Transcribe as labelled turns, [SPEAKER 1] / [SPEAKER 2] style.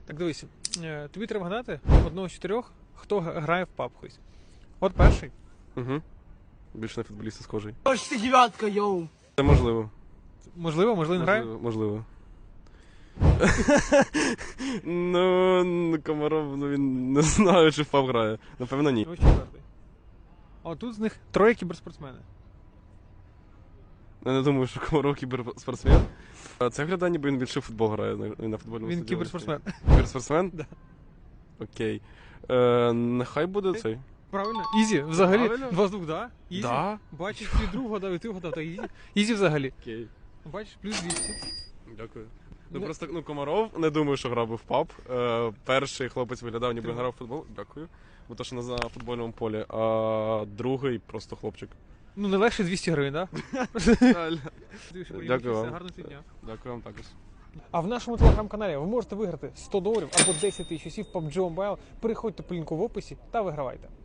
[SPEAKER 1] Так дивись, тобі треба гадати одного з чотирьох, хто грає в паб хоч. От перший.
[SPEAKER 2] Угу. Більше на футболіста схожий.
[SPEAKER 3] Ось ти дев'ятка, йоу.
[SPEAKER 2] Це можливо.
[SPEAKER 1] Можливо, він грає?
[SPEAKER 2] Можливо. Ну, Комаров, він не знаю, чи в паб грає. Напевно, ні.
[SPEAKER 1] Ось четвертий. А тут з них троє кіберспортсмени.
[SPEAKER 2] Я не думаю, що Комаров кіберспортсмен. Це глядає, ніби він більше в футбол грає на футбольному стадіоні.
[SPEAKER 1] Він кіберспортсмен.
[SPEAKER 2] Кіберспортсмен?
[SPEAKER 1] Да.
[SPEAKER 2] Окей. Нехай буде цей.
[SPEAKER 1] Правильно? Ізі, взагалі.
[SPEAKER 2] Правильно.
[SPEAKER 1] 2 з 2, да? Ізі.
[SPEAKER 2] Да?
[SPEAKER 1] Бачиш, ти друг гадав, і ти гадав, так ізі. Ізі взагалі.
[SPEAKER 2] Окей.
[SPEAKER 1] Бачиш, плюс 200.
[SPEAKER 2] Дякую.
[SPEAKER 1] Ну,
[SPEAKER 2] Просто Комаров, не думаю, що грав би в паб. Перший хлопець виглядав, ніби грав в футбол. Дякую. Бо то, що на футбольному полі. А другий просто хлопчик.
[SPEAKER 1] Ну, не легше 200 гривень, так?
[SPEAKER 2] Дякую вам.
[SPEAKER 1] Гарного дня.
[SPEAKER 2] Дякую вам також.
[SPEAKER 1] А в нашому телеграм-каналі ви можете виграти $100 або 10 тисяч часів PUBG Mobile. Переходьте по лінку в описі та вигравайте.